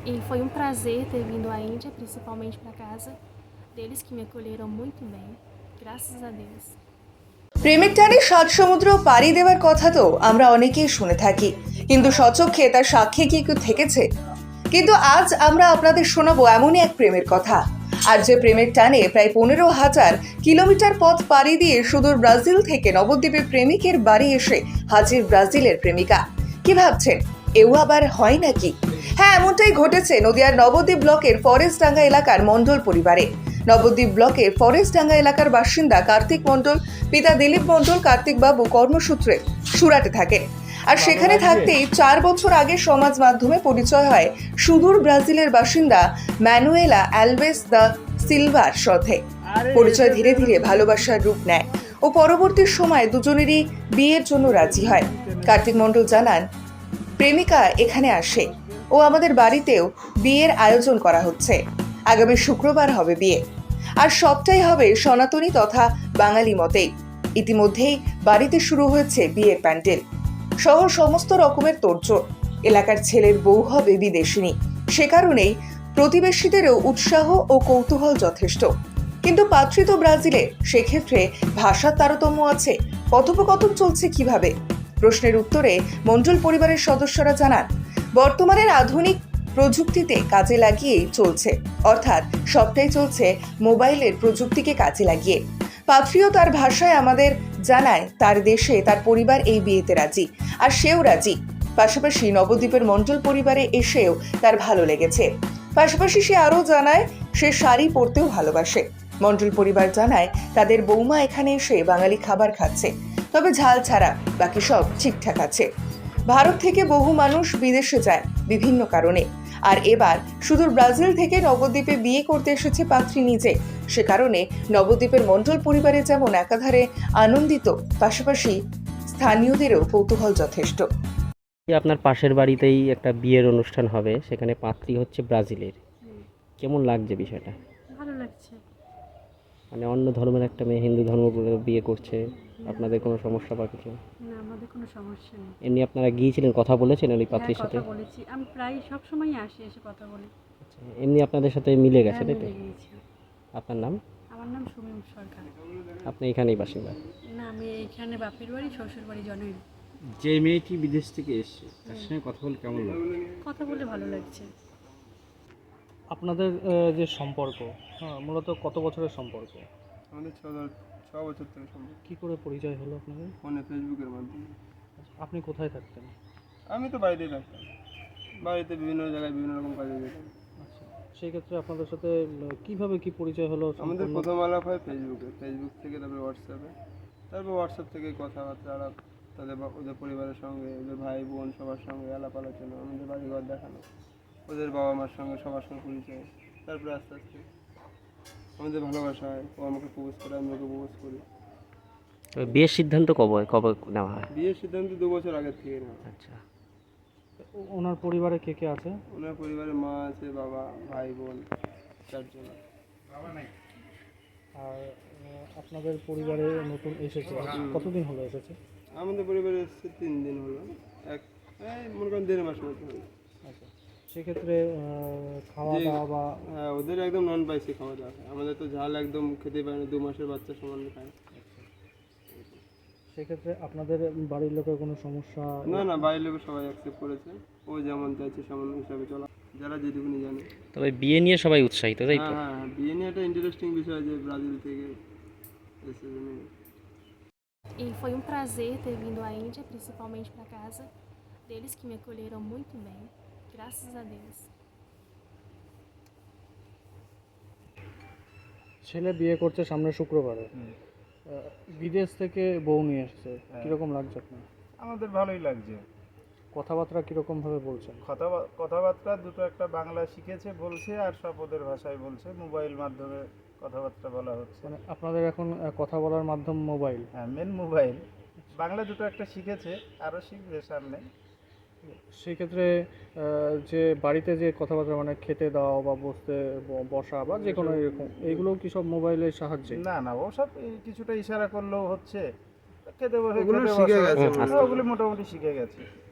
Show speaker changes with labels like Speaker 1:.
Speaker 1: E foi prazer ter vindo à Índia, principalmente para casa deles que me acolheram muito bem. Graças a Deus.
Speaker 2: প্রেমের টানে সাত সমুদ্র পাড়ি দেওয়ার কথা তো আমরা অনেকেই শুনে থাকি, কিন্তু স্বচক্ষে তার সাক্ষী কি কেউ থেকেছে? কিন্তু আজ আমরা আপনাদের শোনাবো এমনই এক প্রেমের কথা। আর যে প্রেমের টানে প্রায় 15,000 কিলোমিটার পথ পাড়ি দিয়ে সুদূর ব্রাজিল থেকে নবদ্বীপে প্রেমিকের বাড়ি এসে হাজির ব্রাজিলের প্রেমিকা। কি ভাবছেন, এও আবার হয় নাকি? হ্যাঁ, এমনটাই ঘটেছে নদিয়ার নবদ্বীপ ব্লকের ফরেস্টডাঙ্গা এলাকার মণ্ডল পরিবারে। নবদ্বীপ ব্লকের ফরেস্টডাঙ্গা এলাকার বাসিন্দা কার্তিক মণ্ডল, পিতা দিলীপ মণ্ডল কার্তিক বাবু কর্মসূত্রে সুরাটে থাকেন। আর সেখানে থাকতেই 4 বছর আগে সমাজ মাধ্যমে পরিচয় হয় সুদূর ব্রাজিলের বাসিন্দা ম্যানুয়েলা অ্যালভেস দা সিলভার সাথে। পরিচয় ধীরে ধীরে ভালোবাসার রূপ নেয় ও পরবর্তী সময়ে দুজনেরই বিয়ের জন্য রাজি হয়। কার্তিক মণ্ডল জানান, প্রেমিকা এখানে আসে ও আমাদের বাড়িতেও বিয়ের আয়োজন করা হচ্ছে। আগামী শুক্রবার হবে বিয়ে, আর সবটাই হবে সনাতনী তথা বাঙালি মতেই। ইতিমধ্যেই বাড়িতে শুরু হয়েছে বিয়ের প্যান্ডেল সহ সমস্ত রকমের তোড়জোড়। এলাকার ছেলের বউ হবে বিদেশিনী, সে কারণেই প্রতিবেশীদেরও উৎসাহ ও কৌতূহল যথেষ্ট। কিন্তু পাত্রী তো ব্রাজিলে, সেক্ষেত্রে ভাষার তারতম্য আছে। কথোপকথন চলছে কিভাবে? প্রশ্নের উত্তরে মণ্ডল পরিবারের সদস্যরা জানান, বর্তমানের আধুনিক প্রযুক্তিতে কাজে লাগিয়েই চলছে, অর্থাৎ সবটাই চলছে মোবাইলের প্রযুক্তিকে কাজে লাগিয়ে। পাত্রীও তার ভাষায় আমাদের জানায় তার দেশে তার পরিবার এই বিয়েতে রাজি, আর সেও রাজি। পাশাপাশি নবদ্বীপের মণ্ডল পরিবারে এসেও তার ভালো লেগেছে। পাশাপাশি সে আরও জানায় সে শাড়ি পরতেও ভালোবাসে। মণ্ডল পরিবার জানায় তাদের বৌমা এখানে এসে বাঙালি খাবার খাচ্ছে, তবে ঝাল ছাড়া বাকি সব ঠিকঠাক আছে। ভারত থেকে বহু মানুষ বিদেশে যায় বিভিন্ন কারণে, আর এবার সুদূর ব্রাজিল থেকে নবদ্বীপে বিয়ে করতে এসেছে পাত্রী নিজে। সে কারণে নবদ্বীপের মণ্ডল পরিবারে যেমন একাধারে আনন্দিত, পাশাপাশি স্থানীয়দেরও কৌতূহল যথেষ্ট।
Speaker 3: আপনার পাশের বাড়িতেই একটা বিয়ের অনুষ্ঠান হবে, সেখানে পাত্রী হচ্ছে ব্রাজিলের। কেমন লাগছে বিষয়টা?
Speaker 1: ভালো লাগছে।
Speaker 3: মানে অন্য ধর্মের একটা মেয়ে হিন্দু ধর্ম করে বিয়ে করছে, আপনাদের কোনো সমস্যা বা কিছু?
Speaker 1: না, আমাদের কোনো সমস্যা নেই।
Speaker 3: এমনি আপনারা গিয়েছিলেন, কথা বলেছেন ওই
Speaker 1: হ্যাঁ,
Speaker 3: পাত্রীর সাথে?
Speaker 1: কথা বলেছি। আমি প্রায় সব সময় আসি, এসে কথা বলি।
Speaker 3: আচ্ছা, এমনি আপনাদের সাথে মিলে গেছে,
Speaker 1: হ্যাঁ,
Speaker 3: তাই তো?
Speaker 1: মিলে গিয়েছি।
Speaker 3: আপনার নাম?
Speaker 1: আমার নাম সুমিম সরকার।
Speaker 3: আপনি এখানেই বাসিন্দা?
Speaker 1: না, আমি এখানে বাপের বাড়ি, শ্বশুর বাড়ি জনই।
Speaker 4: যে মেয়েটি বিদেশ থেকে এসেছে তার সঙ্গে কথা বলে কেমন লাগে?
Speaker 1: কথা বলে ভালো লাগছে।
Speaker 5: আপনাদের যে সম্পর্ক, মূলত কত বছরের সম্পর্ক?
Speaker 6: আমাদের ছ বছর থেকে সম্ভব।
Speaker 5: কি করে পরিচয় হলো আপনাদের?
Speaker 6: ফোনে ফেসবুকের মাধ্যমে।
Speaker 5: আচ্ছা, আপনি কোথায় থাকতেন?
Speaker 6: আমি তো বাড়িতেই থাকতাম, বাড়িতে বিভিন্ন জায়গায় বিভিন্ন রকম কাজে যেতাম।
Speaker 5: আচ্ছা, সেই ক্ষেত্রে আপনাদের সাথে কিভাবে কি পরিচয় হলো?
Speaker 6: আমাদের
Speaker 5: সম্পূর্ণ-
Speaker 6: প্রথম আলাপ হয় ফেসবুক থেকে, তারপরে হোয়াটসঅ্যাপে, তারপর হোয়াটসঅ্যাপ থেকে কথাবার্তা আলাপ, ওদের পরিবারের সঙ্গে, ওদের ভাই বোন সবার সঙ্গে আলাপ আলোচনা, আমাদের বাড়িঘর দেখানো, ওদের বাবা মার সঙ্গে সবার সঙ্গে পরিচয়, তারপরে আস্তে আস্তে আমাদের ভালোবাসা হয়। ও আমাকে প্রপোজ করে, আমি ওকে প্রপোজ করি।
Speaker 3: তবে বিয়ের সিদ্ধান্ত কবে কবে নেওয়া হয়?
Speaker 6: বিয়ের সিদ্ধান্ত 2 বছর আগের থেকে নেওয়া।
Speaker 3: আচ্ছা,
Speaker 5: ওনার পরিবারে কে কে আছে?
Speaker 6: ওনার পরিবারে মা আছে, বাবা, ভাই বোন, 4 জন।
Speaker 5: আর আপনাদের পরিবারে নতুন এসেছে, কতদিন হলো এসেছে?
Speaker 6: আমাদের পরিবারে এসেছে 3 দিন হলো, মনে করেন 1.5 মাস মতো হলো।
Speaker 5: আচ্ছা, সেক্ষেত্রে খাওয়া
Speaker 6: যে-
Speaker 5: দাওয়া বা
Speaker 6: হ্যাঁ, ওদের একদম নন স্পাইসি খাওয়া দাওয়া খায়। আমাদের তো ঝাল একদম খেতে পারে না, 2 মাসের বাচ্চা সমান খায়।
Speaker 5: সেক্ষেত্রে আপনাদের বাড়ির লোকের কোনো সমস্যা?
Speaker 6: না না, বাইরের লোক সবাই অ্যাকসেপ্ট করেছে, ও যেমন চাইছে সেমন হিসাবে চলা, যারা যেটুকুনি জানে।
Speaker 3: তবে বিয়ে নিয়ে সবাই উৎসাহিত, তাই তো?
Speaker 6: হ্যাঁ, বিয়ে নিয়ে একটা ইন্টারেস্টিং বিষয় যে ব্রাজিল থেকে এসেছে মেয়ে।
Speaker 1: E foi prazer ter vindo à Índia, principalmente para casa deles que me acolheram muito bem. Graças a Deus.
Speaker 5: ছেলে বিয়ে করছে সামনে শুক্রবারে, বিদেশ থেকে বউ নিয়ে এসেছে, কিরকম লাগছে আপনার?
Speaker 7: আমাদের ভালোই লাগছে।
Speaker 5: কথাবার্তা কিরকম ভাবে বলছেন?
Speaker 7: কথাবার্তা দুটো একটা বাংলা শিখেছে বলছে, আর সব ওদের ভাষায় বলছে। মোবাইল মাধ্যমে কথাবার্তা বলা হচ্ছে।
Speaker 5: মানে আপনাদের এখন কথা বলার মাধ্যম মোবাইল?
Speaker 7: হ্যাঁ, মেন মোবাইল। বাংলা দুটো একটা শিখেছে, আরও শিখবে সামনে।
Speaker 5: সেই ক্ষেত্রে যে বাড়িতে যে কথাবার্তা, মানে খেতে দাও বা বসতে বসা বা যে কোনো এরকম, এইগুলো কি সব মোবাইলের সাহায্যে?
Speaker 7: না না, ওসব কিছুটা ইশারা করলেও হচ্ছে। খেতে বসে
Speaker 6: ওগুলো
Speaker 7: খেতে
Speaker 6: শিখে
Speaker 7: বসো।
Speaker 6: গেছে
Speaker 7: হ্যাঁ, ওগুলো মোটামুটি শিখে গেছে।